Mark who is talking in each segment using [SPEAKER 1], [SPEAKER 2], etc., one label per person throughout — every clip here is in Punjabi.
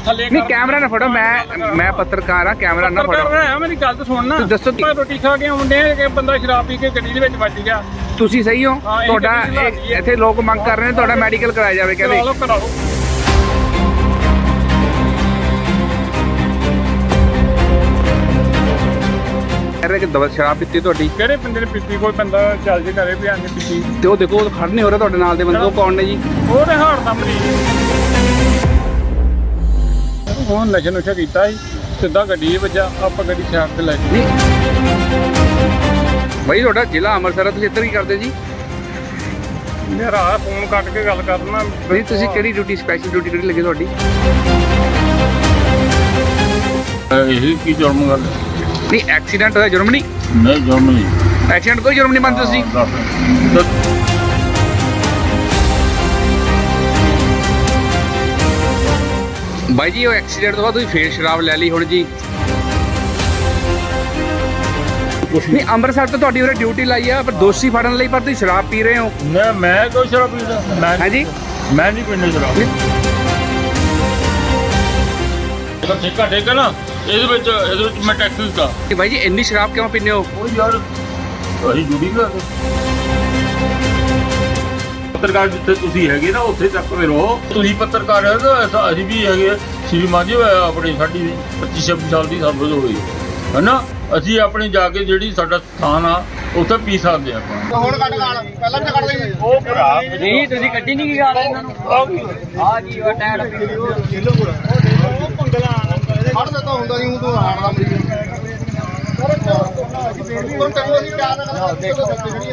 [SPEAKER 1] ਥੱਲੇ
[SPEAKER 2] ਨਹੀਂ ਕੈਮਰਾ ਨਾ ਫੜੋ, ਮੈਂ ਪੱਤਰਕਾਰ ਆ, ਕੈਮਰਾ ਨਾ ਫੜੋ।
[SPEAKER 1] ਮੇਰੀ ਗੱਲ ਤਾਂ ਸੁਣਨਾ।
[SPEAKER 2] ਦੱਸੋ
[SPEAKER 1] ਰੋਟੀ ਖਾ ਕੇ ਆਉਂਦੇ ਆ ਕਿ ਬੰਦਾ ਸ਼ਰਾਬ ਪੀ ਕੇ ਗੱਡੀ ਦੇ ਵਿੱਚ ਵੱਜ ਗਿਆ।
[SPEAKER 2] ਤੁਸੀਂ ਸਹੀ ਹੋ? ਤੁਹਾਡਾ ਇੱਥੇ ਲੋਕ ਮੰਗ ਕਰ ਰਹੇ ਨੇ ਤੁਹਾਡਾ ਮੈਡੀਕਲ ਕਰਾਇਆ ਜਾਵੇ, ਕਹਿੰਦੇ
[SPEAKER 1] ਕਰਾ ਲਓ।
[SPEAKER 2] ਕਹਿ ਰਹੇ ਕਿ ਦਵਾ ਸ਼ਰਾਬ ਪੀਤੀ ਤੁਹਾਡੀ।
[SPEAKER 1] ਕਿਹੜੇ ਬੰਦੇ ਨੇ ਪੀਤੀ? ਕੋਈ ਬੰਦਾ ਚੱਲ ਜੇ ਘਰੇ ਵੀ ਆਂਦੇ ਪੀਤੀ
[SPEAKER 2] ਤੇ ਉਹ ਦੇਖੋ ਖੜ ਨਹੀਂ ਹੋ ਰਿਹਾ ਤੁਹਾਡੇ ਨਾਲ ਦੇ ਬੰਦੇ, ਉਹ ਕੌਣ ਨੇ ਜੀ?
[SPEAKER 1] ਉਹ ਤੇ ਹਾਰਟ ਦਾ ਮਰੀਜ਼। ਉਹ ਨਸ਼ਾ ਕੀਤਾ ਸੀ, ਸਿੱਧਾ ਗੱਡੀ ਵੱਜਾ, ਆਪਾਂ ਗੱਡੀ ਸਾਈਡ ਤੇ ਲੈ ਗਏ।
[SPEAKER 2] ਬਾਈ ਤੁਹਾਡਾ ਜ਼ਿਲ੍ਹਾ ਅੰਮ੍ਰਿਤਸਰ, ਤੁਸੀਂ ਇੱਧਰ ਕੀ ਕਰਦੇ ਜੀ?
[SPEAKER 1] ਮੇਰਾ ਫੋਨ ਕੱਟ ਕੇ ਗੱਲ ਕਰਨਾ।
[SPEAKER 2] ਨਹੀਂ ਤੁਸੀਂ ਕਿਹੜੀ ਡਿਊਟੀ, ਸਪੈਸ਼ਲ ਡਿਊਟੀ ਕਿਹੜੀ ਲੱਗੀ ਤੁਹਾਡੀ?
[SPEAKER 3] ਇਹ ਕੀ ਜੁਰਮ ਗੱਲ?
[SPEAKER 2] ਨਹੀਂ ਐਕਸੀਡੈਂਟ ਹੋਇਆ, ਜੁਰਮ ਨਹੀਂ?
[SPEAKER 3] ਨਹੀਂ ਜੁਰਮ ਨਹੀਂ।
[SPEAKER 2] ਐਕਸੀਡੈਂਟ ਕੋਈ ਜੁਰਮ ਨਹੀਂ ਮੰਨਦੇ ਤੁਸੀਂ? ਬਾਈ ਜੀ ਉਹ ਐਕਸੀਡੈਂਟ ਤੋਂ ਬਾਅਦ ਤੁਸੀਂ ਫੇਰ ਸ਼ਰਾਬ ਲੈ ਲਈ ਹੁਣ ਜੀ? ਨਹੀਂ ਅੰਮ੍ਰਿਤਸਰ ਤੋਂ ਤੁਹਾਡੀ ਉਰੇ ਡਿਊਟੀ ਲਾਈ ਆ, ਪਰ ਦੋਸ਼ੀ ਫੜਨ ਲਈ, ਪਰ ਤੁਸੀਂ ਸ਼ਰਾਬ ਪੀ ਰਹੇ ਹੋ।
[SPEAKER 3] ਮੈਂ ਕੋਈ ਸ਼ਰਾਬ ਪੀਂਦਾ?
[SPEAKER 2] ਹਾਂਜੀ
[SPEAKER 3] ਮੈਂ ਨਹੀਂ ਪੀਂਦਾ ਸ਼ਰਾਬ। ਠੇਕਾ ਠੇਕਾ ਨਾ ਇਹਦੇ ਵਿੱਚ ਮੈਂ ਟੈਕਸ ਦਿੱਤਾ।
[SPEAKER 2] ਬਾਈ ਜੀ ਇੰਨੀ ਸ਼ਰਾਬ ਕਿਉਂ ਪੀਂਦੇ ਹੋ?
[SPEAKER 3] ਉਹ ਯਾਰ ਅਸੀਂ ਡਿਊਟੀ ਕਰਦੇ। ਪੱਤਰਕਾਰ ਜਿੱਥੇ ਤੁਸੀਂ ਹੈਗੇ ਨਾ ਉੱਥੇ ਤੱਕ ਫਿਰ ਰਹੋ। ਤੁਸੀਂ ਪੱਤਰਕਾਰ ਹੋ ਤਾਂ ਅਸੀਂ ਵੀ ਹੈਗੇ। ਸ਼੍ਰੀਮਾਨ ਜੀ ਆਪਣੀ ਸਾਡੀ 25-26 ਸਾਲ ਦੀ ਸਰਵਿਸ ਹੋਈ ਹੈ ਨਾ। ਅਸੀਂ ਆਪਣੀ ਜਾ ਕੇ ਜਿਹੜੀ ਸਾਡਾ ਸਥਾਨ ਆ ਉੱਥੇ ਪੀ ਸਕਦੇ ਆਪਾਂ।
[SPEAKER 1] ਹੁਣ ਕੱਟ ਗਾਲ ਪਹਿਲਾਂ ਵੀ ਕੱਢ ਦੇ।
[SPEAKER 3] ਉਹ ਭਰਾ
[SPEAKER 4] ਨਹੀਂ ਤੁਸੀਂ ਗੱਡੀ ਨਹੀਂ ਕੀ ਗਾਲ ਇਹਨਾਂ ਨੂੰ? ਆ ਕੀ ਉਹ ਟਾਇਰ
[SPEAKER 1] ਫੜ ਦਿੱਤਾ ਹੁੰਦਾ ਨਹੀਂ, ਤੂੰ ਹਾਰਟ ਦਾ ਮਰੀਜ਼। ਤੈਨੂੰ ਅਸੀਂ ਪਿਆਰ ਨਾਲ ਦੇਖੋ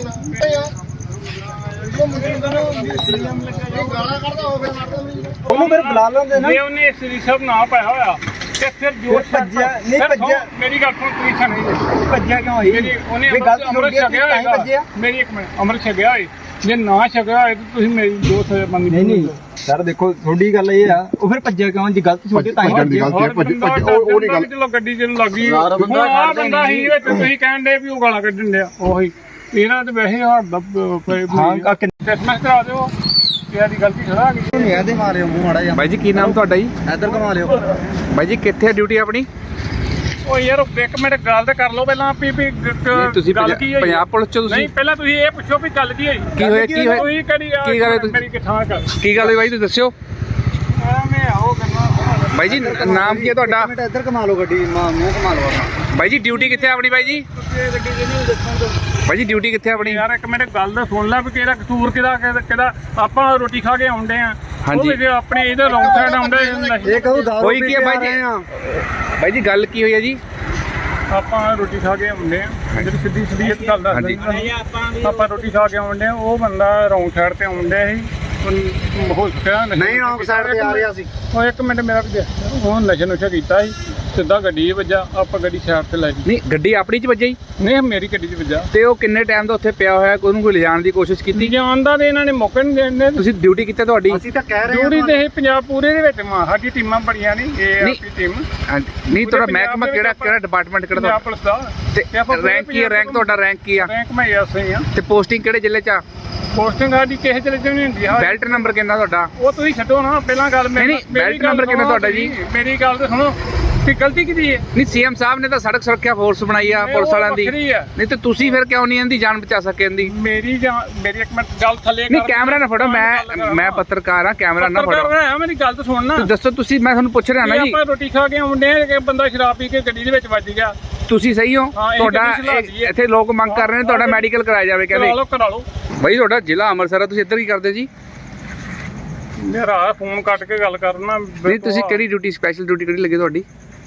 [SPEAKER 1] ਗਾਲਾਂ ਕੱਢਦਾ ਹੋਵੇ
[SPEAKER 4] ਉਹਨੂੰ ਫਿਰ ਬੁਲਾ ਲੈਂਦੇ ਨਾ।
[SPEAKER 1] ਜੇ ਉਹਨੇ ਸ੍ਰੀ ਸਾਹਿਬ ਨਾ ਪਾਇਆ ਹੋਇਆ ਤੇ ਫਿਰ ਜੋਸ਼
[SPEAKER 4] ਭੱਜਿਆ ਨਹੀਂ, ਭੱਜਿਆ
[SPEAKER 1] ਮੇਰੀ ਗੱਲ ਸੁਣ, ਪੁਲਿਸ ਨਹੀਂ
[SPEAKER 4] ਭੱਜਿਆ ਕਿਉਂ ਹੋਈ?
[SPEAKER 1] ਉਹਨੇ
[SPEAKER 4] ਵੀ ਗਲਤੀ
[SPEAKER 1] ਅੰਮ੍ਰਿਤ
[SPEAKER 4] ਛੱਡਿਆ
[SPEAKER 1] ਛਕਿਆ
[SPEAKER 4] ਤਾਂ ਹੀ ਭੱਜਿਆ।
[SPEAKER 1] ਹੋਏਗਾ। ਮੇਰੀ ਇੱਕ ਮਿੰਟ, ਅੰਮ੍ਰਿਤ ਛਕਿਆ ਹੋਏ, ਜੇ ਨਾ ਛਕਿਆ ਹੋਏ ਤਾਂ ਤੁਸੀਂ ਮੇਰੀ ਜੋ ਸਜ਼ਾ ਮੰਗੀ।
[SPEAKER 4] ਨਹੀਂ ਸਰ ਦੇਖੋ ਤੁਹਾਡੀ ਗੱਲ ਇਹ ਆ, ਉਹ ਫਿਰ ਭੱਜਿਆ ਕਿਉਂ? ਜੇ ਗਲਤੀ ਛੋਟੀ ਤਾਂ ਹੀ ਭੱਜਿਆ।
[SPEAKER 1] ਉਹ ਨਹੀਂ ਗੱਲ। ਚਲੋ ਗੱਡੀ ਜਦੋਂ ਲੱਗੀ ਬੰਦਾ ਹੀ ਵਿੱਚ ਤੁਸੀਂ ਕਹਿਣ ਦੇ ਵੀ ਉਹ ਗਾਲਾਂ ਕੱਢਣ ਡਿਆ। ਉਹੀ ਇਹਨਾਂ ਤੇ ਵੈਸੇ ਹੱਥ ਦਾ
[SPEAKER 4] ਹਾਂ
[SPEAKER 1] ਕਿਸਮਤ ਕਰਾ ਦਿਓ, ਕਿਹਾ ਦੀ ਗਲਤੀ ਖੜਾ ਆ ਗਈ।
[SPEAKER 4] ਨਹੀਂ ਇਹਦੇ ਮਾਰਿਓ ਮੂੰਹ ਮਾੜਾ ਜਿਹਾ।
[SPEAKER 2] ਬਾਈ ਜੀ ਕੀ ਨਾਮ ਤੁਹਾਡਾ ਜੀ?
[SPEAKER 4] ਇੱਧਰ ਘੁਮਾ ਲਿਓ।
[SPEAKER 2] ਬਾਈ ਜੀ ਕਿੱਥੇ ਹੈ ਡਿਊਟੀ ਆਪਣੀ?
[SPEAKER 1] ਉਹ ਯਾਰ ਇੱਕ ਮਿੰਟ ਗੱਲ ਤੇ ਕਰ ਲਓ ਪਹਿਲਾਂ ਵੀ
[SPEAKER 2] ਤੁਸੀਂ
[SPEAKER 1] ਗੱਲ ਕੀ ਹੋਈ?
[SPEAKER 2] ਪੰਜਾਬ ਪੁਲਿਸ ਚ ਤੁਸੀਂ?
[SPEAKER 1] ਨਹੀਂ ਪਹਿਲਾਂ ਤੁਸੀਂ ਇਹ ਪੁੱਛੋ ਵੀ ਗੱਲ ਕੀ ਹੋਈ?
[SPEAKER 2] ਕੀ ਹੋਇਆ ਕੀ ਹੋਇਆ
[SPEAKER 1] ਕੋਈ
[SPEAKER 2] ਕੀ ਗੱਲ ਹੈ
[SPEAKER 1] ਮੇਰੀ ਕਿਥਾਂ ਕਰ
[SPEAKER 2] ਕੀ ਗੱਲ ਹੋਈ ਬਾਈ ਤੁਸੀਂ ਦੱਸਿਓ।
[SPEAKER 1] ਮੈਂ ਆਓ ਕਰਨਾ।
[SPEAKER 2] ਬਾਈ ਜੀ ਨਾਮ ਕੀ ਹੈ ਤੁਹਾਡਾ?
[SPEAKER 4] ਮਿੰਟ ਇੱਧਰ ਘੁਮਾ ਲਓ ਗੱਡੀ, ਮੂੰਹ ਘੁਮਾ ਲਓ ਆਪਣਾ।
[SPEAKER 2] ਬਾਈ ਜੀ ਡਿਊਟੀ ਕਿੱਥੇ ਆਪਣੀ? ਬਾਈ ਜੀ
[SPEAKER 1] ਗੱਡੀ ਦੇ ਨਹੀਂ ਦੱਸਣ ਤੋਂ
[SPEAKER 2] ਬਾਈ ਜੀ ਡਿਊਟੀ ਕਿੱਥੇ ਆਪਣੀ?
[SPEAKER 1] ਯਾਰ ਇੱਕ ਮਿੰਟ ਗੱਲ ਤਾਂ ਸੁਣ ਲੈ ਵੀ ਕਿਹੜਾ ਕਸੂਰ ਕਿਹਦਾ ਆਪਾਂ ਰੋਟੀ ਖਾ ਕੇ ਆਉਂਦੇ ਆ।
[SPEAKER 2] ਹਾਂਜੀ।
[SPEAKER 1] ਉਹ ਆਪਣੇ ਇਹਦੇ ਰੌਂਗ ਸਾਈਡ ਆਉਂਦੇ।
[SPEAKER 4] ਇਹ ਕਹੂੰ ਦਾਰੂ
[SPEAKER 2] ਹੋਈ ਕੀ ਹੈ ਬਾਈ ਜੀ? ਬਾਈ ਜੀ ਗੱਲ ਕੀ ਹੋਈ ਹੈ ਜੀ?
[SPEAKER 1] ਆਪਾਂ ਰੋਟੀ ਖਾ ਕੇ ਆਉਂਦੇ ਆ, ਜਿਹੜੀ ਸਿੱਧੀ ਇੱਕ ਗੱਲ ਦੱਸ ਦਿੰਦਾ। ਆਪਾਂ ਰੋਟੀ ਖਾ ਕੇ ਆਉਂਦੇ ਆ, ਉਹ ਬੰਦਾ ਰੌਂਗ ਸਾਈਡ ਤੇ ਆਉਂਦਾ ਸੀ। ਹੋ ਸਕਿਆ
[SPEAKER 4] ਨਹੀਂ ਰੌਂਗ ਸਾਈਡ ਤੇ ਆ ਰਿਹਾ ਸੀ।
[SPEAKER 1] ਉਹ ਇੱਕ ਮਿੰਟ ਮੇਰਾ ਵੀ ਉਹ ਨਸ਼ਾ ਕੀਤਾ ਸੀ, ਸਿੱਧਾ ਗੱਡੀ ਵੱਜਾ, ਆਪਾਂ ਗੱਡੀ ਸਾਈਡ ਤੇ ਲੈ ਗਏ।
[SPEAKER 2] ਨਹੀਂ ਗੱਡੀ ਆਪਣੀ ਚ ਵੱਜੀ?
[SPEAKER 1] ਨਹੀਂ ਮੇਰੀ ਗੱਡੀ 'ਚ ਵੱਜਾ।
[SPEAKER 2] ਤੇ ਉਹ ਕਿੰਨੇ ਟਾਈਮ ਦਾ ਉੱਥੇ ਪਿਆ ਹੋਇਆ, ਉਹਨੂੰ ਕੋਈ ਲਿਜਾਣ ਦੀ ਕੋਸ਼ਿਸ਼ ਕੀਤੀ?
[SPEAKER 1] ਜਾਣਦਾ ਤੇ ਇਹਨਾਂ ਨੇ ਮੌਕੇ ਨਹੀਂ ਦੇਣ ਦੇ।
[SPEAKER 2] ਤੁਸੀਂ ਡਿਊਟੀ ਕਿੱਥੇ ਤੁਹਾਡੀ?
[SPEAKER 4] ਅਸੀਂ ਤਾਂ ਕਹਿ ਰਹੇ
[SPEAKER 1] ਡਿਊਟੀ ਤੇ ਇਹ ਪੰਜਾਬ ਪੂਰੇ ਦੇ ਵਿੱਚ ਸਾਡੀ ਟੀਮਾਂ ਬੜੀਆਂ ਨਹੀਂ, ਇਹ
[SPEAKER 2] ਨਹੀਂ।
[SPEAKER 1] ਆਪਣੀ ਟੀਮ
[SPEAKER 2] ਨਹੀਂ ਤੁਹਾਡਾ ਮਹਿਕਮਾ ਕਿਹੜਾ ਡਿਪਾਰਟਮੈਂਟ ਕਿਹੜਾ
[SPEAKER 1] ਪੰਜਾਬ
[SPEAKER 2] ਤੁਹਾਡਾ?
[SPEAKER 1] ਪੁਲਿਸ ਦਾ।
[SPEAKER 2] ਤੇ ਰੈਂਕ ਕੀ ਹੈ? ਰੈਂਕ ਤੁਹਾਡਾ ਰੈਂਕ ਕੀ ਆ?
[SPEAKER 1] ਰੈਂਕ ਮੈਂ ਐਸਆਈ ਆ।
[SPEAKER 2] ਤੇ ਪੋਸਟਿੰਗ ਕਿਹੜੇ ਜ਼ਿਲ੍ਹੇ ਚ ਆ?
[SPEAKER 1] ਪੋਸਟਿੰਗ ਸਾਡੀ ਕਿਸੇ ਚ ਨਹੀਂ ਹੁੰਦੀ।
[SPEAKER 2] ਬੈਲਟ ਨੰਬਰ ਕਿੰਨਾ ਤੁਹਾਡਾ?
[SPEAKER 1] ਉਹ ਤੁਸੀਂ ਛੱਡੋ ਨਾ, ਪਹਿਲਾਂ ਗੱਲ
[SPEAKER 2] ਨਹੀਂ, ਬੈਲਟ ਨੰਬਰ ਕਿੰਨਾ ਤੁਹਾਡਾ ਜੀ?
[SPEAKER 1] ਮੇਰੀ ਗੱਲ ਤੇ ਸੁਣੋ ਕਿ ਗਲਤੀ ਕਿਹਦੀ ਹੈ?
[SPEAKER 2] ਨਹੀਂ ਸੀਐਮ ਸਾਹਿਬ ਨੇ ਤਾਂ ਸੜਕ ਸੁਰੱਖਿਆ ਫੋਰਸ ਬਣਾਈ ਆ ਪੁਲਿਸ ਵਾਲਿਆਂ ਦੀ। ਨਹੀਂ ਤੇ ਤੁਸੀਂ ਫਿਰ ਕਿਉਂ ਨਹੀਂ ਇਹਦੀ ਜਾਨ ਬਚਾ ਸਕੇ ਇਹਦੀ?
[SPEAKER 1] ਮੇਰੀ ਇੱਕ ਮਿੰਟ ਗੱਲ ਥੱਲੇ
[SPEAKER 2] ਨਹੀਂ ਕੈਮਰਾ ਨਾ ਫੜੋ, ਮੈਂ ਪੱਤਰਕਾਰ ਆ, ਕੈਮਰਾ ਨਾ ਫੜੋ।
[SPEAKER 1] ਮੇਰੀ ਗੱਲ ਤਾਂ ਸੁਣ ਨਾ।
[SPEAKER 2] ਦੱਸੋ ਤੁਸੀਂ, ਮੈਂ ਤੁਹਾਨੂੰ ਪੁੱਛ ਰਿਹਾ ਨਾ ਜੀ।
[SPEAKER 1] ਆਪਾਂ ਰੋਟੀ ਖਾ ਕੇ ਆਉਂਦੇ ਆ ਕਿ ਬੰਦਾ ਸ਼ਰਾਬ ਪੀ ਕੇ ਗੱਡੀ ਦੇ ਵਿੱਚ ਵੱਜ ਗਿਆ।
[SPEAKER 2] ਤੁਸੀਂ ਸਹੀ ਹੋ? ਤੁਹਾਡਾ ਇੱਥੇ ਲੋਕ ਮੰਗ ਕਰ ਰਹੇ ਨੇ ਤੁਹਾਡਾ ਮੈਡੀਕਲ ਕਰਾਇਆ ਜਾਵੇ, ਕਹਿੰਦੇ
[SPEAKER 1] ਕਰਾ ਲਓ।
[SPEAKER 2] ਬਾਈ ਤੁਹਾਡਾ ਜ਼ਿਲ੍ਹਾ ਅੰਮ੍ਰਿਤਸਰ ਆ, ਤੁਸੀਂ ਇੱਧਰ ਕੀ ਕਰਦੇ ਜੀ?
[SPEAKER 1] ਮੇਰਾ ਫੋਨ ਕੱਟ ਕੇ ਗੱਲ ਕਰਨਾ।
[SPEAKER 2] ਨਹੀਂ ਤੁਸੀਂ ਕਿਹੜੀ ਡਿਊਟੀ, ਸਪੈਸ਼ਲ ਡਿਊਟੀ ਕਿਹੜੀ ਲੱਗੀ ਤੁਹਾਡੀ?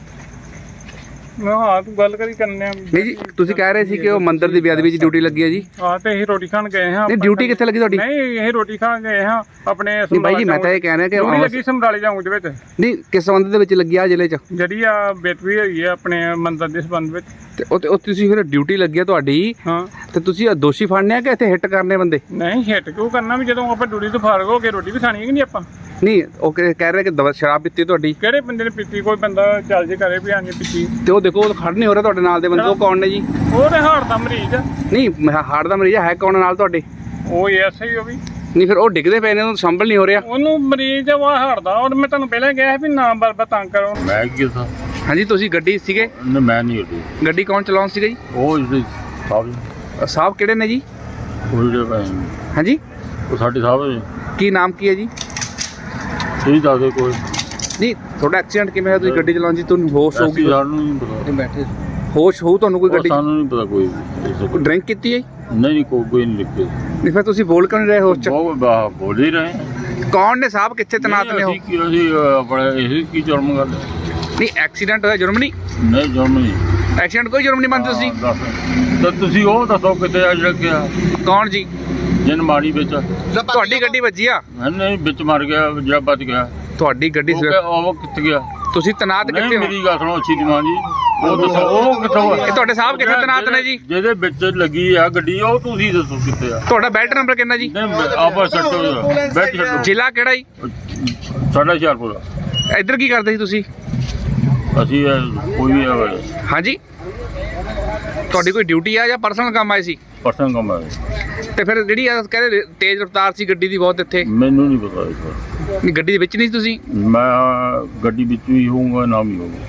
[SPEAKER 1] ਹਾਂ ਤੂੰ ਗੱਲ ਕਰੀ ਕਰਨੇ ਆ।
[SPEAKER 2] ਨਹੀਂ ਜੀ ਤੁਸੀਂ ਕਹਿ ਰਹੇ ਸੀ ਕਿ ਉਹ ਮੰਦਿਰ ਦੀ ਬੇਅਦਬੀ ਵਿੱਚ ਡਿਊਟੀ ਲੱਗੀ ਹੈ ਜੀ।
[SPEAKER 1] ਹਾਂ ਤੇ ਇਹ ਰੋਟੀ ਖਾਣ ਗਏ ਹਾਂ।
[SPEAKER 2] ਨਹੀਂ ਡਿਊਟੀ ਕਿੱਥੇ ਲੱਗੀ ਤੁਹਾਡੀ?
[SPEAKER 1] ਨਹੀਂ ਇਹ ਰੋਟੀ ਖਾਣ ਗਏ ਹਾਂ ਆਪਣੇ।
[SPEAKER 2] ਨਹੀਂ ਬਾਈ ਜੀ ਮੈਂ ਤਾਂ ਇਹ ਕਹਿ ਰਿਹਾ ਕਿ
[SPEAKER 1] ਡਿਊਟੀ ਲੱਗੀ ਸਮਰਾਲੇ ਚੌਂਕ ਦੇ ਵਿੱਚ।
[SPEAKER 2] ਨਹੀਂ ਕਿਸ ਸੰਬੰਧ ਦੇ ਵਿੱਚ ਲੱਗੀ ਆ ਜ਼ਿਲ੍ਹੇ 'ਚ?
[SPEAKER 1] ਜਿਹੜੀ ਆ ਬੇਟਵੀ ਹੋਈ ਹੈ ਆਪਣੇ ਮੰਦਰ ਦੇ ਸੰਬੰਧ ਵਿੱਚ।
[SPEAKER 2] ਤੇ ਉਹ ਤੁਸੀਂ ਫਿਰ ਡਿਊਟੀ ਲੱਗੀ ਆ ਤੁਹਾਡੀ,
[SPEAKER 1] ਹਾਂ
[SPEAKER 2] ਤੇ ਤੁਸੀਂ ਦੋਸ਼ੀ ਫੜਨੇ ਆ ਕਿ ਇੱਥੇ ਹਿੱਟ ਕਰਨੇ ਬੰਦੇ?
[SPEAKER 1] ਨਹੀਂ ਹਿੱਟ ਕਿਉਂ ਕਰਨਾ, ਵੀ ਜਦੋਂ ਆਪਾਂ ਡਿਊਟੀ ਤੋਂ ਫਾਰਗ ਹੋ ਕੇ ਰੋਟੀ ਵੀ ਖਾਣੀ ਹੈ ਕਿ ਨਹੀਂ ਆਪਾਂ?
[SPEAKER 2] ਨਹੀਂ ਉਹ ਕਹਿ ਰਹੇ ਕਿ ਸ਼ਰਾਬ ਪੀਤੀ ਤੁਹਾਡੀ।
[SPEAKER 1] ਕਿਹੜੇ ਬੰਦੇ ਨੇ ਪੀਤੀ? ਕੋਈ ਬੰਦਾ ਚੱਲ ਜੇ ਘਰੇ ਵੀ ਆਂਦੇ ਪੀਤੀ।
[SPEAKER 2] ਤੇ ਉਹ ਦੇਖੋ ਖੜ ਨਹੀਂ ਹੋ ਰਿਹਾ ਤੁਹਾਡੇ ਨਾਲ ਦੇ ਬੰਦੇ, ਉਹ ਕੌਣ ਨੇ ਜੀ?
[SPEAKER 1] ਉਹ ਤੇ ਹਾਰਟ ਦਾ ਮਰੀਜ਼ ਆ।
[SPEAKER 2] ਨਹੀਂ ਹਾਰਟ ਦਾ ਮਰੀਜ਼ ਹੈ ਕੌਣ ਨਾਲ ਤੁਹਾਡੇ?
[SPEAKER 1] ਉਹ ਐਸਆਈ ਉਹ ਵੀ।
[SPEAKER 2] ਨਹੀਂ ਫਿਰ ਉਹ ਡਿੱਗਦੇ ਪਏ ਨੇ, ਉਹਨੂੰ ਸੰਭਲ ਨਹੀਂ ਹੋ ਰਿਹਾ।
[SPEAKER 1] ਉਹਨੂੰ ਮਰੀਜ਼ ਵਾ ਹਟਦਾ, ਔਰ ਮੈਂ ਤੁਹਾਨੂੰ ਪਹਿਲਾਂ ਕਿਹਾ ਵੀ ਨਾ ਬਰਬਰ ਤੰਗ ਕਰੋ।
[SPEAKER 3] ਮੈਂ ਕੀ ਦੱਸਾਂ?
[SPEAKER 2] ਹਾਂਜੀ ਤੁਸੀਂ ਗੱਡੀ ਸੀਗੇ?
[SPEAKER 3] ਨਹੀਂ ਮੈਂ ਨਹੀਂ ਗੱਡੀ।
[SPEAKER 2] ਗੱਡੀ ਕੌਣ ਚਲਾਉਣ ਸੀਗਾ ਜੀ?
[SPEAKER 3] ਉਹ ਜਿਹੜੇ ਸਾਹਿਬ
[SPEAKER 2] ਸਾਹਿਬ ਕਿਹੜੇ ਨੇ ਜੀ?
[SPEAKER 3] ਉਹ ਜਿਹੜੇ
[SPEAKER 2] ਹਾਂਜੀ
[SPEAKER 3] ਉਹ ਸਾਡੇ ਸਾਹਿਬ ਨੇ।
[SPEAKER 2] ਕੀ ਨਾਮ ਕੀ ਹੈ ਜੀ?
[SPEAKER 3] ਤੁਸੀਂ ਦੱਸ ਦਿਓ ਕੋਈ।
[SPEAKER 2] ਨਹੀਂ ਤੁਹਾਡਾ ਐਕਸੀਡੈਂਟ ਕਿਵੇਂ ਹੋਇਆ? ਤੁਸੀਂ ਗੱਡੀ ਚਲਾਉਣ ਜੀ, ਤੁਹਾਨੂੰ ਹੋਸ਼ ਹੋਊਗੀ?
[SPEAKER 3] ਅਸੀਂ ਸਾਨੂੰ ਨਹੀਂ ਪਤਾ।
[SPEAKER 2] ਬੈਠੇ ਹੋਸ਼ ਹੋਊ ਤੁਹਾਨੂੰ ਕੋਈ
[SPEAKER 3] ਉਹ
[SPEAKER 2] ਗੱਡੀ?
[SPEAKER 3] ਸਾਨੂੰ ਨਹੀਂ ਪਤਾ ਕੋਈ ਵੀ।
[SPEAKER 2] ਡਰਿੰਕ ਕੀਤੀ ਹੈ?
[SPEAKER 3] ਨਹੀਂ ਕੋਈ ਨਹੀਂ ਲਿਖੇ।
[SPEAKER 2] ਨਹੀਂ ਫਿਰ ਤੁਸੀਂ ਬੋਲ ਕਿਉਂ ਨਹੀਂ ਰਹੇ ਹੋਸ਼ ਚ?
[SPEAKER 3] ਬਹੁਤ ਬੋਲ ਹੀ ਰਹੇ।
[SPEAKER 2] ਕੌਣ ਨੇ ਸਾਹਿਬ, ਕਿੱਥੇ ਤੈਨਾਤ ਨੇ ਉਹ?
[SPEAKER 3] ਅਸੀਂ ਆਪਣੇ ਇਹ ਕੀ ਜੁਰਮ ਗੱਲ?
[SPEAKER 2] ਨਹੀਂ ਐਕਸੀਡੈਂਟ ਹੋਇਆ, ਜੁਰਮ ਨਹੀਂ?
[SPEAKER 3] ਨਹੀਂ ਜੁਰਮ ਨਹੀਂ।
[SPEAKER 2] ਐਕਸੀਡੈਂਟ ਕੋਈ ਜੁਰਮ ਨਹੀਂ ਮੰਨਦੇ ਤੁਸੀਂ?
[SPEAKER 3] ਤਾਂ ਤੁਸੀਂ ਉਹ ਦੱਸੋ ਕਿਤੇ ਆ ਜਿਹੜਾ ਗਿਆ?
[SPEAKER 2] ਕੌਣ ਜੀ?
[SPEAKER 3] ਜਿਨ ਮਾਰੀ ਵਿੱਚ
[SPEAKER 2] ਤੁਹਾਡੀ ਗੱਡੀ ਵੱਜੀ ਆ?
[SPEAKER 3] ਨਹੀਂ ਵਿੱਚ ਮਰ ਗਿਆ ਜਿਹੜਾ ਬਚ ਗਿਆ।
[SPEAKER 2] ਤੁਹਾਡੀ ਗੱਡੀ
[SPEAKER 3] ਉਹ ਕਿੱਥੇ ਗਿਆ?
[SPEAKER 2] ਤੁਸੀਂ ਤੈਨਾਤ
[SPEAKER 3] ਨਹੀਂ
[SPEAKER 2] ਕਿੱਥੇ ਹੋ?
[SPEAKER 3] ਮੇਰੀ ਗੱਲ ਸੁਣੋ ਅੱਛੀ ਜਮਾਨ ਜੀ, ਉਹ ਦੱਸੋ ਉਹ ਕਿੱਥੋਂ ਆ?
[SPEAKER 2] ਇਹ ਤੁਹਾਡੇ ਸਾਹਿਬ ਕਿੱਥੇ ਤੈਨਾਤ ਨੇ ਜੀ?
[SPEAKER 3] ਜਿਹਦੇ ਵਿੱਚ ਲੱਗੀ ਆ ਗੱਡੀ, ਉਹ ਤੁਸੀਂ ਦੱਸੋ ਕਿੱਥੇ ਆ?
[SPEAKER 2] ਤੁਹਾਡਾ ਬੈਲਟ ਨੰਬਰ ਕਿੰਨਾ ਜੀ?
[SPEAKER 3] ਨਹੀਂ ਆਪਸ ਛੱਡੋ, ਬੈਠ ਛੱਡੋ।
[SPEAKER 2] ਜ਼ਿਲ੍ਹਾ ਕਿਹੜਾ ਜੀ?
[SPEAKER 3] ਸਾਡਾ ਹੁਸ਼ਿਆਰਪੁਰ।
[SPEAKER 2] ਇੱਧਰ ਕੀ ਕਰਦੇ ਸੀ ਤੁਸੀਂ?
[SPEAKER 3] ਅਸੀਂ ਕੋਈ ਵੀ
[SPEAKER 2] ਹਾਂਜੀ ਤੁਹਾਡੀ ਕੋਈ ਡਿਊਟੀ ਆ ਜਾਂ ਪਰਸਨਲ ਕੰਮ ਆਏ ਸੀ?
[SPEAKER 3] ਪਰਸਨ ਕੰਮ ਹੈ।
[SPEAKER 2] ਤੇ ਫਿਰ ਜਿਹੜੀ ਆ ਕਹਿੰਦੇ ਤੇਜ਼ ਰਫ਼ਤਾਰ ਸੀ ਗੱਡੀ ਦੀ ਬਹੁਤ ਇੱਥੇ?
[SPEAKER 3] ਮੈਨੂੰ ਨਹੀਂ ਪਤਾ ਇਸ ਬਾਰੇ।
[SPEAKER 2] ਨਹੀਂ ਗੱਡੀ ਦੇ ਵਿੱਚ ਨਹੀਂ ਸੀ ਤੁਸੀਂ?
[SPEAKER 3] ਮੈਂ ਗੱਡੀ ਵਿੱਚ ਵੀ ਹੋਊਂਗਾ ਨਾ ਵੀ ਹੋਊਂਗਾ।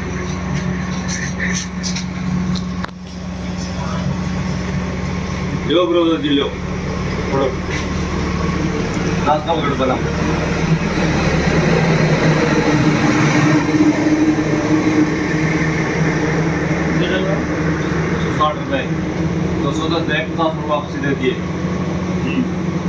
[SPEAKER 4] लो ब्रो जी लो थोड़ा नाश्ता वगैरह बना ₹60 210 बैंक ट्रांसफर वापसी दे दिए।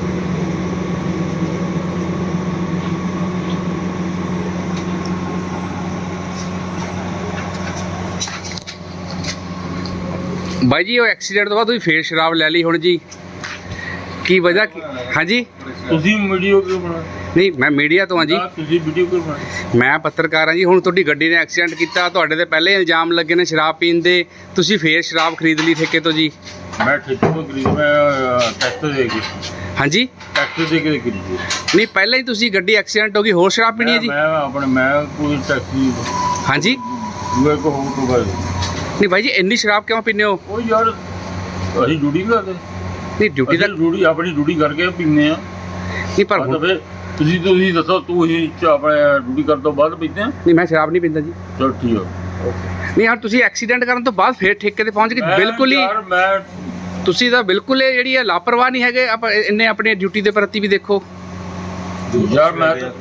[SPEAKER 2] ਬਾਈ ਜੀ ਉਹ ਐਕਸੀਡੈਂਟ ਤੋਂ ਬਾਅਦ ਤੁਸੀਂ ਫੇਰ ਸ਼ਰਾਬ ਲੈ ਲਈ ਹੁਣ ਜੀ, ਕੀ ਵਜ੍ਹਾ ਹਾਂਜੀ?
[SPEAKER 3] ਤੁਸੀਂ ਵੀਡੀਓ ਕਿਉਂ ਬਣਾ?
[SPEAKER 2] ਨਹੀਂ ਮੈਂ ਮੀਡੀਆ ਤੋਂ ਹਾਂ ਜੀ।
[SPEAKER 3] ਤੁਸੀਂ ਵੀਡੀਓ ਕਿਉਂ ਬਣਾ?
[SPEAKER 2] ਮੈਂ ਪੱਤਰਕਾਰ ਹਾਂ ਜੀ। ਹੁਣ ਤੁਹਾਡੀ ਗੱਡੀ ਨੇ ਐਕਸੀਡੈਂਟ ਕੀਤਾ, ਤੁਹਾਡੇ ਤੇ ਪਹਿਲੇ ਇਲਜ਼ਾਮ ਲੱਗੇ ਨੇ ਸ਼ਰਾਬ ਪੀਣ ਦੇ, ਤੁਸੀਂ ਫੇਰ ਸ਼ਰਾਬ ਖਰੀਦ ਲਈ ਠੇਕੇ ਤੋਂ ਜੀ?
[SPEAKER 3] ਮੈਂ ਠੇਕੇ ਤੋਂ ਖਰੀਦ, ਮੈਂ ਟੈਕਸ ਦੇ ਕੇ।
[SPEAKER 2] ਹਾਂਜੀ
[SPEAKER 3] ਟੈਕਸ ਦੇ ਕੇ ਖਰੀਦੀ।
[SPEAKER 2] ਨਹੀਂ ਪਹਿਲਾਂ ਹੀ ਤੁਸੀਂ ਗੱਡੀ ਐਕਸੀਡੈਂਟ ਹੋ ਗਈ, ਹੋਰ ਸ਼ਰਾਬ ਪੀਣੀ ਹੈ ਜੀ?
[SPEAKER 3] ਮੈਂ ਕੋਈ ਟੈਕਸੀ
[SPEAKER 2] ਹਾਂਜੀ
[SPEAKER 3] ਦੂਏ ਕੋ ਹੋ ਤੋਂ ਬਾਅਦ।
[SPEAKER 2] ਨਹੀਂ ਬਾਈ ਜੀ ਇੰਨੀ ਸ਼ਰਾਬ ਕਿਉਂ ਪੀਂਦੇ ਹੋ?
[SPEAKER 3] ਉਹ ਯਾਰ ਅਸੀਂ ਡਿਊਟੀ ਕਰਦੇ।
[SPEAKER 2] ਨਹੀਂ ਡਿਊਟੀ ਦਾ
[SPEAKER 3] ਡਿਊਟੀ ਆਪਣੀ ਡਿਊਟੀ ਕਰਕੇ ਪੀਂਦੇ ਆ।
[SPEAKER 2] ਨਹੀਂ ਪਰ
[SPEAKER 3] ਮਤਲਬ ਤੁਸੀਂ ਦੱਸੋ, ਤੂੰ ਹੀ ਆਪਣੇ ਡਿਊਟੀ ਕਰਨ ਤੋਂ ਬਾਅਦ ਪੀਂਦੇ ਆ?
[SPEAKER 2] ਨਹੀਂ ਮੈਂ ਸ਼ਰਾਬ ਨਹੀਂ ਪੀਂਦਾ ਜੀ।
[SPEAKER 3] ਚਲੋ ਠੀਕ ਆ।
[SPEAKER 2] ਨਹੀਂ ਯਾਰ ਤੁਸੀਂ ਐਕਸੀਡੈਂਟ ਕਰਨ ਤੋਂ ਬਾਅਦ ਫੇਰ ਠੇਕੇ ਤੇ ਪਹੁੰਚ ਗਏ, ਬਿਲਕੁਲ ਹੀ
[SPEAKER 3] ਯਾਰ ਮੈਂ
[SPEAKER 2] ਤੁਸੀਂ ਤਾਂ ਬਿਲਕੁਲ ਇਹ ਜਿਹੜੀ ਹੈ ਲਾਪਰਵਾਹ ਨਹੀਂ ਹੈਗੇ। ਆਪਾਂ ਇੰਨੇ ਆਪਣੀ ਡਿਊਟੀ ਦੇ ਪ੍ਰਤੀ ਵੀ ਦੇਖੋ
[SPEAKER 3] ਯਾਰ।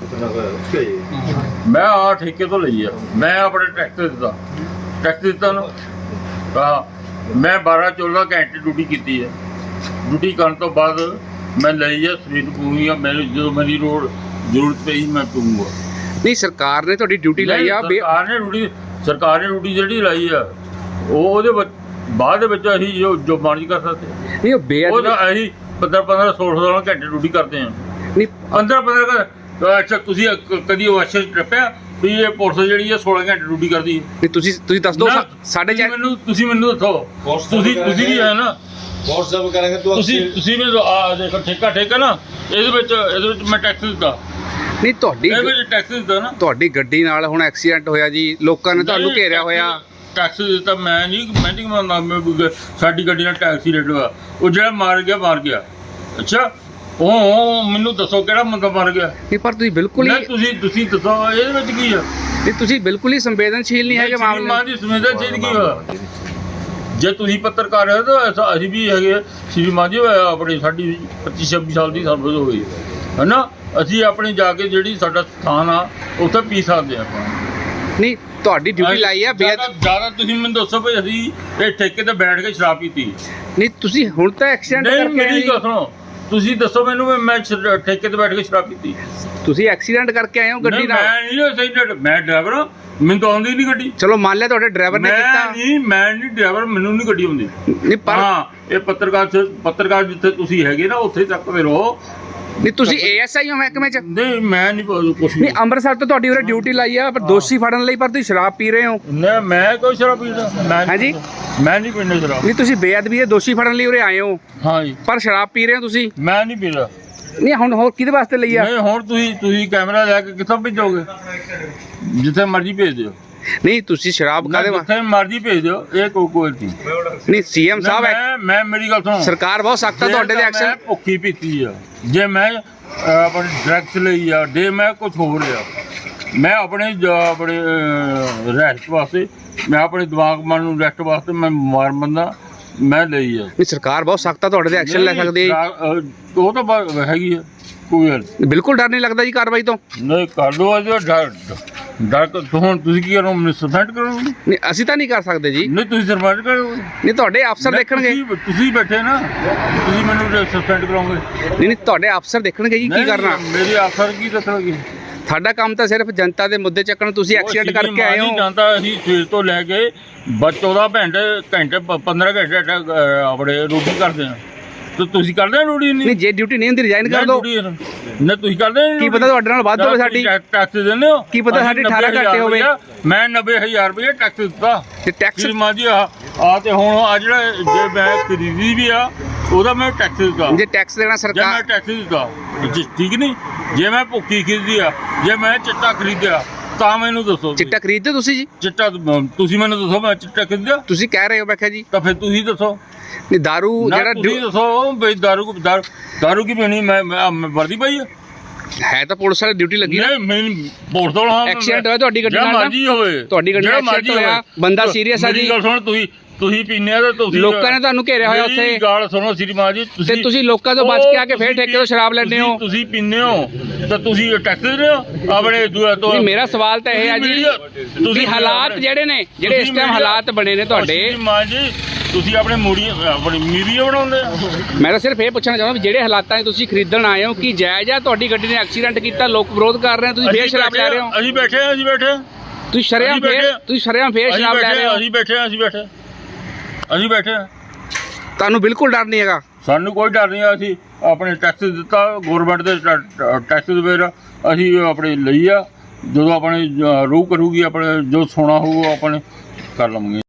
[SPEAKER 3] ਮੈਂ ਆ ਠੇਕੇ ਤੋਂ ਲਈ ਆ, ਮੈਂ ਆਪਣੇ ਟੈਕਸ ਦਿੱਤਾ ਨਾ। ਮੈਂ 12-14 ਘੰਟੇ ਡਿਊਟੀ ਕੀਤੀ ਹੈ। ਡਿਊਟੀ ਕਰਨ ਤੋਂ ਬਾਅਦ ਮੈਂ ਲਈ ਆ ਸਰੀਰ ਪੂਰੀ ਆ। ਮੈਨੂੰ ਜਦੋਂ ਮੇਰੀ ਜ਼ਰੂਰਤ ਪਈ ਮੈਂ ਪੀਊਂਗਾ।
[SPEAKER 2] ਨਹੀਂ ਸਰਕਾਰ ਨੇ ਤੁਹਾਡੀ ਡਿਊਟੀ ਲਾਈ ਆ।
[SPEAKER 3] ਸਰਕਾਰ ਨੇ ਡਿਊਟੀ ਜਿਹੜੀ ਲਾਈ ਆ, ਉਹਦੇ ਬਾਅਦ ਦੇ ਵਿੱਚ ਅਸੀਂ ਜੋ ਮਰਜ਼ੀ ਕਰ ਸਕਦੇ।
[SPEAKER 2] ਨਹੀਂ ਉਹ
[SPEAKER 3] ਉਹ ਤਾਂ ਅਸੀਂ 15-15 16 ਘੰਟੇ ਡਿਊਟੀ ਕਰਦੇ ਹਾਂ।
[SPEAKER 2] ਨਹੀਂ
[SPEAKER 3] 15-15 ਅੱਛਾ ਤੁਸੀਂ ਕਦੀ ਉਹ ਅੱਛਾ ਟੱਪਿਆ ਵੀ ਇਹ ਪੁਲਿਸ ਜਿਹੜੀ ਹੈ 16 ਘੰਟੇ ਡਿਊਟੀ ਕਰਦੀ ਹੈ?
[SPEAKER 2] ਨਹੀਂ ਤੁਸੀਂ ਦੱਸ ਦਿਓ ਸਾਡੇ
[SPEAKER 3] ਤੁਸੀਂ ਮੈਨੂੰ ਦੱਸੋ। ਤੁਸੀਂ ਵੀ ਹੈ ਨਾ
[SPEAKER 4] व्हाट्सएप करेंगे तो
[SPEAKER 3] ਤੁਸੀਂ ਮੈਨੂੰ ਆ ਦੇਖੋ ਠੇਕਾ ਨਾ ਇਹਦੇ ਵਿੱਚ ਮੈਂ ਟੈਕਸ ਦਿੱਤਾ।
[SPEAKER 2] ਨਹੀਂ ਤੁਹਾਡੀ
[SPEAKER 3] ਇਹਦੇ ਵਿੱਚ ਟੈਕਸ ਦਿੱਤਾ ਨਾ।
[SPEAKER 2] ਤੁਹਾਡੀ ਗੱਡੀ ਨਾਲ ਹੁਣ ਐਕਸੀਡੈਂਟ ਹੋਇਆ ਜੀ, ਲੋਕਾਂ ਨੇ ਤੁਹਾਨੂੰ ਘੇਰਿਆ ਹੋਇਆ।
[SPEAKER 3] ਟੈਕਸ ਦਿੱਤਾ ਮੈਂ ਨਹੀਂ ਮੰਨਦਾ। ਸਾਡੀ ਗੱਡੀ ਨਾਲ ਟੈਕਸੀ ਰੇਟ ਹੋਇਆ, ਉਹ ਜਿਹੜਾ ਮਾਰ ਗਿਆ। ਅੱਛਾ ਉਹ ਮੈਨੂੰ ਦੱਸੋ ਕਿਹੜਾ ਬੰਦਾ ਮਰ ਗਿਆ?
[SPEAKER 2] ਨਹੀਂ ਪਰ ਤੁਸੀਂ ਬਿਲਕੁਲ ਹੀ
[SPEAKER 3] ਤੁਸੀਂ ਦੱਸੋ ਇਹਦੇ ਵਿੱਚ ਕੀ ਆ?
[SPEAKER 2] ਨਹੀਂ ਤੁਸੀਂ ਬਿਲਕੁਲ ਹੀ ਸੰਵੇਦਨਸ਼ੀਲ ਨਹੀਂ ਹੈਗੇ ਮਾਮਲੇ
[SPEAKER 3] ਦੀ ਸੰਵੇਦਨਸ਼ੀਲ ਕੀ ਹੋਇਆ? ਜੇ ਤੁਸੀਂ ਪੱਤਰਕਾਰ ਹੋ ਤਾਂ ਅਸੀਂ ਵੀ ਹੈਗੇ। ਸ਼੍ਰੀ ਮਾਨ ਜੀ ਆਪਣੀ ਸਾਡੀ 25-26 ਸਾਲ ਦੀ ਸਰਵਿਸ ਹੋ ਗਈ ਹੈ ਨਾ। ਅਸੀਂ ਆਪਣੀ ਜਾ ਕੇ ਜਿਹੜੀ ਸਾਡਾ ਸਥਾਨ ਆ ਉੱਥੇ ਪੀ ਸਕਦੇ ਆ ਆਪਾਂ।
[SPEAKER 2] ਨਹੀਂ ਤੁਹਾਡੀ ਡਿਊਟੀ ਲਾਈ ਆ
[SPEAKER 3] ਜ਼ਿਆਦਾ ਤੁਸੀਂ ਮੈਨੂੰ ਦੱਸੋ ਵੀ ਅਸੀਂ ਇਹ ਠੇਕੇ ਤੇ ਬੈਠ ਕੇ ਸ਼ਰਾਬ ਪੀਤੀ?
[SPEAKER 2] ਨਹੀਂ ਤੁਸੀਂ ਹੁਣ ਤਾਂ ਐਕਸੀਡੈਂਟ ਕਰਕੇ
[SPEAKER 3] ਮੇਰੀ ਗੱਲ ਸੁਣੋ। ਤੁਸੀਂ ਦੱਸੋ ਮੈਨੂੰ ਮੈਂ ਠੇਕੇ ਤੇ ਬੈਠ ਕੇ ਸ਼ਰਾਬ ਪੀਤੀ?
[SPEAKER 2] ਤੁਸੀਂ ਐਕਸੀਡੈਂਟ ਕਰਕੇ ਆਏ ਹੋ ਗੱਡੀ ਨਾਲ?
[SPEAKER 3] ਮੈਂ ਡਰਾਈਵਰ ਹਾਂ, ਮੈਨੂੰ ਤਾਂ ਆਉਂਦੀ ਨਹੀਂ ਗੱਡੀ।
[SPEAKER 2] ਚਲੋ ਮੰਨ ਲਿਆ ਤੁਹਾਡੇ ਡਰਾਈਵਰ ਨੇ ਕੀਤਾ।
[SPEAKER 3] ਮੈਂ ਨਹੀਂ ਡਰਾਈਵਰ, ਮੈਨੂੰ ਨਹੀਂ ਗੱਡੀ ਆਉਂਦੀ।
[SPEAKER 2] ਨਹੀਂ ਪਰ
[SPEAKER 3] ਹਾਂ ਇਹ ਪੱਤਰਕਾਰ ਜਿੱਥੇ ਤੁਸੀਂ ਹੈਗੇ ਨਾ ਉੱਥੇ ਤੱਕ ਫਿਰ ਰਹੋ।
[SPEAKER 2] ਨਹੀਂ ਤੁਸੀਂ ਏਐਸਆਈ ਹੋ ਮਹਿਕਮੇ ਚ?
[SPEAKER 3] ਨਹੀਂ ਮੈਂ ਨਹੀਂ ਕੁਛ
[SPEAKER 2] ਨਹੀਂ ਅੰਮ੍ਰਿਤਸਰ ਤੋਂ ਤੁਹਾਡੀ ਉਰੇ ਡਿਊਟੀ ਲਾਈ ਆ, ਪਰ ਦੋਸ਼ੀ ਫੜਨ ਲਈ, ਪਰ ਤੁਸੀਂ ਸ਼ਰਾਬ ਪੀ ਰਹੇ ਹੋ।
[SPEAKER 3] ਨਹੀਂ ਮੈਂ ਕੋਈ ਸ਼ਰਾਬ ਪੀਂਦਾ?
[SPEAKER 2] ਹਾਂਜੀ
[SPEAKER 3] ਮੈਂ ਨਹੀਂ ਪੀਂਦਾ ਸ਼ਰਾਬ।
[SPEAKER 2] ਨਹੀਂ ਤੁਸੀਂ ਬੇਅਦਬੀ ਦੇ ਦੋਸ਼ੀ ਫੜਨ ਲਈ ਉਰੇ ਆਏ ਹੋ?
[SPEAKER 3] ਹਾਂ ਜੀ।
[SPEAKER 2] ਪਰ ਸ਼ਰਾਬ ਪੀ ਰਹੇ ਹੋ ਤੁਸੀਂ?
[SPEAKER 3] ਮੈਂ ਨਹੀਂ ਪੀਂਦਾ।
[SPEAKER 2] ਨਹੀਂ ਹੁਣ ਹੋਰ ਕਿਹਦੇ ਵਾਸਤੇ ਲਈ ਆ?
[SPEAKER 3] ਨਹੀਂ ਹੁਣ ਤੁਸੀਂ ਕੈਮਰਾ ਲੈ ਕੇ ਕਿੱਥੋਂ ਭੇਜੋਗੇ? ਜਿੱਥੇ ਮਰਜ਼ੀ ਭੇਜ ਦਿਓ।
[SPEAKER 2] ਨਹੀਂ ਤੁਸੀਂ ਸ਼ਰਾਬ ਕਾਹਦੇ ਵਾ?
[SPEAKER 3] ਜਿੱਥੇ ਮਰਜ਼ੀ ਭੇਜ ਦਿਓ, ਇਹ ਕੋਈ ਨਹੀਂ।
[SPEAKER 2] ਨਹੀਂ ਸੀਐਮ ਸਾਹਿਬ
[SPEAKER 3] ਮੈਂ ਮੇਰੀ ਗੱਲ ਸੁਣੋ,
[SPEAKER 2] ਸਰਕਾਰ ਬਹੁਤ ਸਖਤ ਆ ਤੁਹਾਡੇ ਦੇ
[SPEAKER 3] ਮੈਂ
[SPEAKER 2] ਐਕਸ਼ਨ।
[SPEAKER 3] ਭੁੱਖੀ ਪੀਤੀ ਆ, ਜੇ ਮੈਂ ਆਪਣੇ ਡਰੱਗਸ ਲਈ ਆ, ਜੇ ਮੈਂ ਕੁਝ ਹੋਰ ਲਿਆ, ਮੈਂ ਆਪਣੇ ਰੈਸਟ ਵਾਸਤੇ, ਮੈਂ ਆਪਣੇ ਦਿਮਾਗ ਮਨ ਨੂੰ ਰੈਸਟ ਵਾਸਤੇ ਮੈਂ ਬਿਮਾਰ ਬੰਦਾ, ਮੈਂ ਲਈ ਆ।
[SPEAKER 2] ਨਹੀਂ ਸਰਕਾਰ ਬਹੁਤ ਸਖਤ ਆ, ਤੁਹਾਡੇ ਤੇ ਐਕਸ਼ਨ ਲੈ ਸਕਦੀ ਹੈ।
[SPEAKER 3] ਉਹ ਤਾਂ ਹੈਗੀ ਆ, ਕੋਈ ਗੱਲ
[SPEAKER 2] ਬਿਲਕੁਲ ਡਰ ਨਹੀਂ ਲੱਗਦਾ ਜੀ ਕਾਰਵਾਈ ਤੋਂ?
[SPEAKER 3] ਨਹੀਂ ਕਰ ਲਓ। ਅੱਜ ਡਰ ਹੁਣ ਤੁਸੀਂ ਕੀ ਕਰੋ? ਮੈਨੂੰ ਸਸਪੈਂਡ ਕਰੋਗੇ?
[SPEAKER 2] ਨਹੀਂ ਅਸੀਂ ਤਾਂ ਨਹੀਂ ਕਰ ਸਕਦੇ ਜੀ।
[SPEAKER 3] ਨਹੀਂ ਤੁਸੀਂ ਸਸਪੈਂਡ ਕਰੋਗੇ?
[SPEAKER 2] ਨਹੀਂ ਤੁਹਾਡੇ ਅਫਸਰ ਦੇਖਣਗੇ।
[SPEAKER 3] ਤੁਸੀਂ ਬੈਠੇ ਨਾ, ਤੁਸੀਂ ਮੈਨੂੰ ਸਸਪੈਂਡ ਕਰੋਗੇ?
[SPEAKER 2] ਨਹੀਂ ਤੁਹਾਡੇ ਅਫਸਰ ਦੇਖਣਗੇ ਜੀ ਕੀ ਕਰਨਾ।
[SPEAKER 3] ਮੇਰੇ ਅਫਸਰ ਕੀ ਦੱਸਣਗੇ?
[SPEAKER 2] ਸਾਡਾ ਕੰਮ ਤਾਂ ਸਿਰਫ ਜਨਤਾ ਦੇ ਮੁੱਦੇ ਚੱਕਣ। ਤੁਸੀਂ ਐਕਸੀਡੈਂਟ ਕਰਕੇ ਆਏ ਹੋ।
[SPEAKER 3] ਜਾਂਦਾ ਅਸੀਂ ਸਵੇਰ ਤੋਂ ਲੈ ਕੇ 14 ਘੰਟੇ 15 ਘੰਟੇ ਆਪਣੇ ਡਿਊਟੀ ਕਰਦੇ ਆ, ਤੇ ਤੁਸੀਂ ਕਰਦੇ ਡਿਊਟੀ?
[SPEAKER 2] ਨਹੀਂ ਜੇ ਡਿਊਟੀ ਨਹੀਂ ਹੁੰਦੀ ਰਿਜ਼ਾਈਨ ਕਰ ਦਿਓ।
[SPEAKER 3] ਨਾ ਤੁਸੀਂ ਕਰਦੇ
[SPEAKER 2] ਕੀ ਪਤਾ ਤੁਹਾਡੇ ਨਾਲ ਵੱਧ ਹੋਵੇ ਸਾਡੀ।
[SPEAKER 3] ਟੈਕਸ ਦਿੰਦੇ ਹੋ?
[SPEAKER 2] ਕੀ ਪਤਾ ਸਾਡੀ 18 ਘੰਟੇ ਹੋਵੇ।
[SPEAKER 3] ਮੈਂ 90,000 ਰੁਪਏ ਟੈਕਸ ਦਿੱਤਾ
[SPEAKER 2] ਤੇ ਟੈਕਸ
[SPEAKER 3] ਸ਼੍ਰੀਮਾਨ ਜੀ। ਆ ਤੇ ਹੁਣ ਆ ਜਿਹੜਾ ਜੇ ਮੈਂ ਖਰੀਦੀ ਵੀ ਆ, ਉਹਦਾ ਮੈਂ ਟੈਕਸ ਦਿੱਤਾ।
[SPEAKER 2] ਜੇ ਟੈਕਸ ਦੇਣਾ
[SPEAKER 3] ਜੇ ਮੈਂ
[SPEAKER 2] ਸਰਕਾਰ।
[SPEAKER 3] ਟੈਕਸ ਦਿੱਤਾ, ਠੀਕ ਨਹੀਂ? ਜੇ ਮੈਂ ਭੁੱਕੀ ਖਰੀਦੀ ਆ, ਜੇ ਮੈਂ ਚਿੱਟਾ ਖਰੀਦਿਆ, ਤਾਂ ਮੈਨੂੰ ਦੱਸੋ।
[SPEAKER 2] ਚਿੱਟਾ ਖਰੀਦਦੇ ਤੁਸੀਂ ਜੀ?
[SPEAKER 3] ਚਿੱਟਾ ਤੁਸੀਂ ਮੈਨੂੰ ਦੱਸੋ, ਮੈਂ ਚਿੱਟਾ ਖਰੀਦਿਆ?
[SPEAKER 2] ਤੁਸੀਂ ਕਹਿ ਰਹੇ ਹੋ, ਮੈਂ ਕਿਹਾ ਜੀ
[SPEAKER 3] ਤਾਂ ਫਿਰ ਤੁਸੀਂ ਦੱਸੋ।
[SPEAKER 2] ਨਹੀਂ ਦਾਰੂ ਜਿਹੜਾ
[SPEAKER 3] ਤੁਸੀਂ ਦੱਸੋ ਬਈ, ਦਾਰੂ ਕੀ ਪੀਣੀ? ਮੈਂ ਵਰਦੀ ਪਾਈ
[SPEAKER 2] ਹੈ ਤਾਂ ਪੁਲਿਸ ਵਾਲੀ ਡਿਊਟੀ ਲੱਗੀ ਨਾ।
[SPEAKER 3] ਨਹੀਂ ਮੈਨੂੰ ਪੁਲਿਸ ਤੋਂ ਹਾਂ
[SPEAKER 2] ਐਕਸੀਡੈਂਟ ਹੋਇਆ ਤੁਹਾਡੀ ਗੱਡੀ ਨਾਲ ਨਾ?
[SPEAKER 3] ਮਰਜ਼ੀ ਹੋਵੇ,
[SPEAKER 2] ਤੁਹਾਡੀ ਗੱਡੀ ਨਾਲ ਐਕਸੀਡੈਂਟ ਹੋਇਆ, ਬੰਦਾ ਸੀਰੀਅਸ ਆ ਜੀ।
[SPEAKER 3] ਮੇਰੀ ਗੱਲ ਸੁਣ, ਤੁਸੀਂ ਪੀਨੇ ਆ ਤਾਂ ਤੁਸੀਂ
[SPEAKER 2] ਲੋਕਾਂ ਨੇ ਤੁਹਾਨੂੰ ਘੇਰਿਆ ਹੋਇਆ ਉੱਥੇ।
[SPEAKER 3] ਮੇਰੀ ਗੱਲ ਸੁਣੋ ਸ਼੍ਰੀਮਾਨ ਜੀ,
[SPEAKER 2] ਤੇ ਤੁਸੀਂ ਲੋਕਾਂ ਤੋਂ ਬਚ ਕੇ ਆ ਕੇ ਫੇਰ ਠੇਕੇ ਤੋਂ ਸ਼ਰਾਬ ਲੈਂਦੇ ਹੋ।
[SPEAKER 3] ਤੁਸੀਂ ਪੀਨੇ ਹੋ ਤਾਂ ਤੁਸੀਂ ਟੈਕਸ ਦਿੰਦੇ ਹੋ ਆਪਣੇ ਤੋਂ।
[SPEAKER 2] ਨਹੀਂ ਮੇਰਾ ਸਵਾਲ ਤਾਂ ਇਹ ਹੈ ਜੀ, ਤੁਸੀਂ ਹਾਲਾਤ ਜਿਹੜੇ ਨੇ, ਜਿਹੜੇ ਇਸ ਟਾਈਮ ਹਾਲਾਤ ਬਣੇ ਨੇ ਤੁਹਾਡੇ।
[SPEAKER 3] ਸ਼੍ਰੀਮਾਨ ਜੀ ਤੁਸੀਂ ਆਪਣੇ ਆਪਣੀ ਮੀਡੀਆ ਬਣਾਉਂਦੇ ਆ।
[SPEAKER 2] ਮੈਂ ਤਾਂ ਸਿਰਫ ਇਹ ਪੁੱਛਣਾ ਚਾਹੁੰਦਾ ਵੀ ਜਿਹੜੇ ਹਾਲਾਤਾਂ 'ਚ ਤੁਸੀਂ ਖਰੀਦਣ ਆਏ ਹੋ, ਕੀ ਜਾਇਜ਼ ਆ? ਤੁਹਾਡੀ ਗੱਡੀ ਨੇ ਐਕਸੀਡੈਂਟ ਕੀਤਾ, ਲੋਕ ਵਿਰੋਧ ਕਰ ਰਹੇ ਆ, ਤੁਸੀਂ ਫੇਰ ਸ਼ਰਾਬ ਲੈ ਰਹੇ ਹੋ।
[SPEAKER 3] ਅਸੀਂ ਬੈਠੇ
[SPEAKER 2] ਤੁਸੀਂ ਸ਼ਰੇਆਮ ਫੇਰ ਸ਼ਰਾਬ ਲੈ ਰਹੇ ਹੋ।
[SPEAKER 3] ਅਸੀਂ ਬੈਠੇ
[SPEAKER 2] ਤੁਹਾਨੂੰ ਬਿਲਕੁਲ ਡਰ ਨਹੀਂ ਹੈਗਾ?
[SPEAKER 3] ਸਾਨੂੰ ਕੋਈ ਡਰ ਨਹੀਂ ਆ। ਅਸੀਂ ਆਪਣੇ ਟੈਕਸ ਦਿੱਤਾ, ਗਵਰਨਮੈਂਟ ਦੇ ਟੈਕਸ ਦੇ ਵੇਰ ਅਸੀਂ ਆਪਣੇ ਲਈ ਆ। ਜਦੋਂ ਆਪਣੇ ਰੂਹ ਕਰੂਗੀ, ਆਪਣੇ ਜੋ ਸੋਨਾ ਹੋਊ ਆਪਣੇ ਕਰ ਲਵਾਂਗੇ।